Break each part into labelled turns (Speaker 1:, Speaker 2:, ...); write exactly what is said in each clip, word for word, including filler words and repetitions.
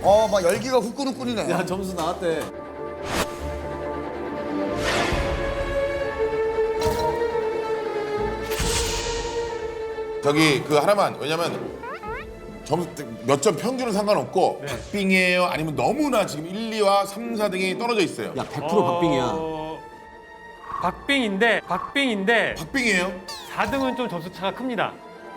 Speaker 1: 어, 막 열기가 후끈후끈이네.
Speaker 2: 야, 점수 나왔대.
Speaker 3: 저기 그 하나만 왜냐면 점수 몇 점 평균은 상관없고
Speaker 4: 네.
Speaker 3: 박빙이에요? 아니면 너무나 지금 일, 이와 삼, 사 등이 떨어져 있어요.
Speaker 2: 야, 백 퍼센트 박빙이야.
Speaker 4: 어, 박빙인데 박빙인데
Speaker 3: 박빙이에요?
Speaker 4: 사 등은 좀 점수 차가 큽니다.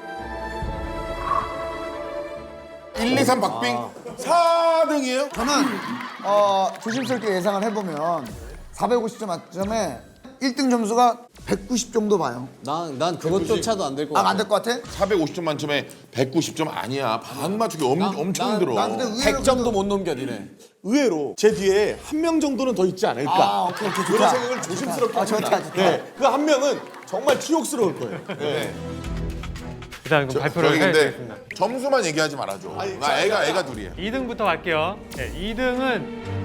Speaker 3: 일, 이, 삼 박빙 사 등이에요?
Speaker 1: 저는 어, 조심스럽게 예상을 해보면 사백오십 점 만점에 일 등 점수가 백구십 정도 봐요.
Speaker 2: 난, 난 그것조차도 안 될 것
Speaker 1: 아,
Speaker 2: 같아.
Speaker 1: 안 될 것 같아?
Speaker 3: 사백오십 점 만점에 백구십 점 아니야. 반 맞추기 엄, 엄청 힘들어.
Speaker 1: 난 근데 의외로
Speaker 2: 백 점도 못 넘겨, 니네.
Speaker 5: 의외로 제 뒤에 한 명 정도는 더 있지 않을까.
Speaker 1: 아, 오케이, 오케이,
Speaker 5: 그런
Speaker 1: 좋다.
Speaker 5: 생각을 조심스럽게
Speaker 1: 아,
Speaker 5: 합니다.
Speaker 1: 좋다, 좋다.
Speaker 5: 네, 그 한 명은 정말 치욕스러울 거예요. 네.
Speaker 4: 일단 그럼 발표를
Speaker 3: 저기
Speaker 4: 해야
Speaker 3: 근데
Speaker 4: 되겠습니다.
Speaker 3: 점수만 얘기하지 말아줘. 나 애가 애가 둘이야.
Speaker 4: 이 등부터 갈게요. 네, 이 등은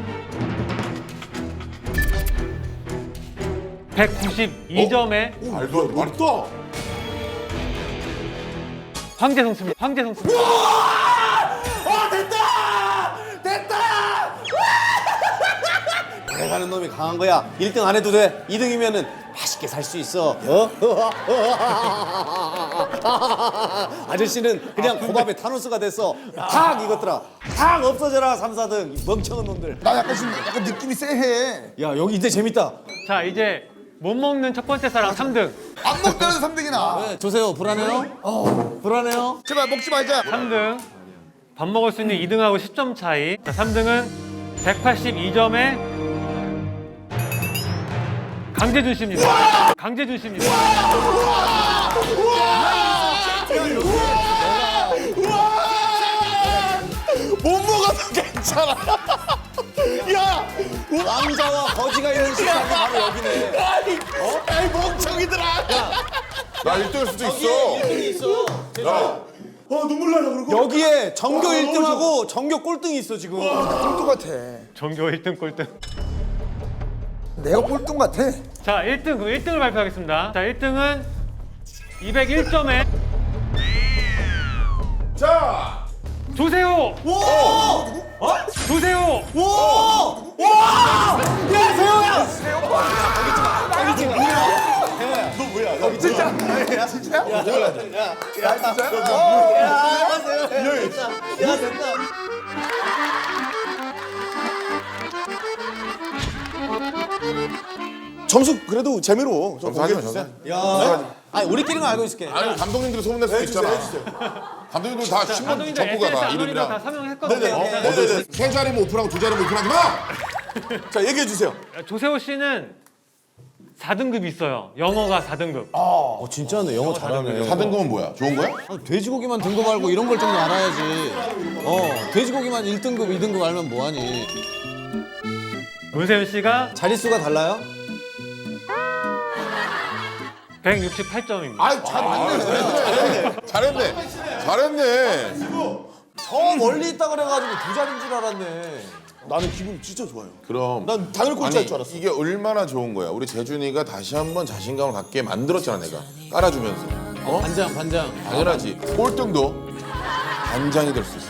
Speaker 4: 백구십이 점에
Speaker 3: 말도 안 말도.
Speaker 4: 황재성 씁니다. 황재성 씁니다.
Speaker 5: 어 됐다! 됐다!
Speaker 2: 가는 놈이 강한 거야. 일 등 안 해도 돼. 이 등이면은 맛있게 살 수 있어. 어? 아저씨는 그냥 고밥에 타노스가 됐어. 탁 이것들아. 탁 없어져라 삼, 사 등. 멍청한 놈들.
Speaker 1: 나 약간 지금 약간 느낌이 쎄해.
Speaker 2: 야, 여기 이제 재밌다.
Speaker 4: 자, 이제 못 먹는 첫 번째 사람 삼 등.
Speaker 1: 안 먹다는 삼 등이나.
Speaker 2: 네, 조세호 불안해요? 어. 불안해요?
Speaker 1: 제발 먹지 말자.
Speaker 4: 삼 등. 밥 먹을 수 있는 이 등하고 십 점 차이. 자, 삼 등은 백팔십이 점에 강재준 씨입니다. 강재준 씨입니다.
Speaker 5: 못 먹어도 괜찮아. 야!
Speaker 2: 왕자와 거지가 있는 식당이 바로 여기네.
Speaker 5: 아니, 어? 아이 멍청이들아.
Speaker 3: 나 일 등일 수도 있어.
Speaker 2: 있어.
Speaker 3: 야,
Speaker 5: 어 눈물 나라 그러고.
Speaker 2: 여기에 전교 일 등하고 전교 꼴등이 있어 지금.
Speaker 1: 꼴등 같아.
Speaker 4: 전교 일 등 꼴등.
Speaker 1: 내가 꼴등 같아.
Speaker 4: 자, 일 등, 그럼 일 등을 발표하겠습니다. 자, 일 등은 이백일 점에
Speaker 3: 자,
Speaker 4: 조세호! 어? 조세호!
Speaker 2: 야 세호야.
Speaker 5: 너 뭐야? 너 진짜?
Speaker 1: 진짜야? 진짜?
Speaker 2: 야 세호야. 야 됐다.
Speaker 5: 점수 그래도 재미로 좀
Speaker 3: 점수 하지
Speaker 5: 공개해
Speaker 3: 마,
Speaker 5: 주세요.
Speaker 2: 야. 아니 우리끼리만 알고 있을게.
Speaker 3: 아니 감독님들이 소문낼 수도
Speaker 5: 해주세요,
Speaker 3: 있잖아.
Speaker 5: 해주세요.
Speaker 3: 감독님들 다 신문
Speaker 4: 감독님들
Speaker 3: 정보가
Speaker 4: 에스엔에스
Speaker 3: 다
Speaker 4: 아놀이랑 다
Speaker 3: 이름이랑.
Speaker 4: 사명했거든요.
Speaker 5: 네네.
Speaker 4: 자,
Speaker 5: 네, 네, 네.
Speaker 3: 세 자리면 오픈하고 두 자리면 오픈하지 마.
Speaker 5: 자 얘기해 주세요.
Speaker 4: 조세호 씨는 사 등급이 있어요. 영어가 사 등급.
Speaker 2: 어 진짜네 영어 잘하네.
Speaker 3: 사 등급은 뭐야? 좋은 거야?
Speaker 2: 아, 돼지고기만 등급 알고 이런 걸 좀 알아야지. 어 돼지고기만 일 등급, 이 등급 알면 뭐하니.
Speaker 4: 문세윤 씨가
Speaker 2: 자릿수가 달라요?
Speaker 4: 백육십팔 점입니다.
Speaker 3: 아이 잘 맞네. 잘했네. 잘했네.
Speaker 2: 저 멀리 있다 그래가지고 두 자리인 줄 알았네.
Speaker 5: 나는 기분 진짜 좋아요.
Speaker 3: 그럼
Speaker 5: 난 당연히 꼴찌할 줄 알았어.
Speaker 3: 이게 얼마나 좋은 거야. 우리 재준이가 다시 한번 자신감을 갖게 만들었잖아 내가. 깔아주면서. 어?
Speaker 2: 반장 반장.
Speaker 3: 당연하지. 꼴등도 반장이 될 수 있어.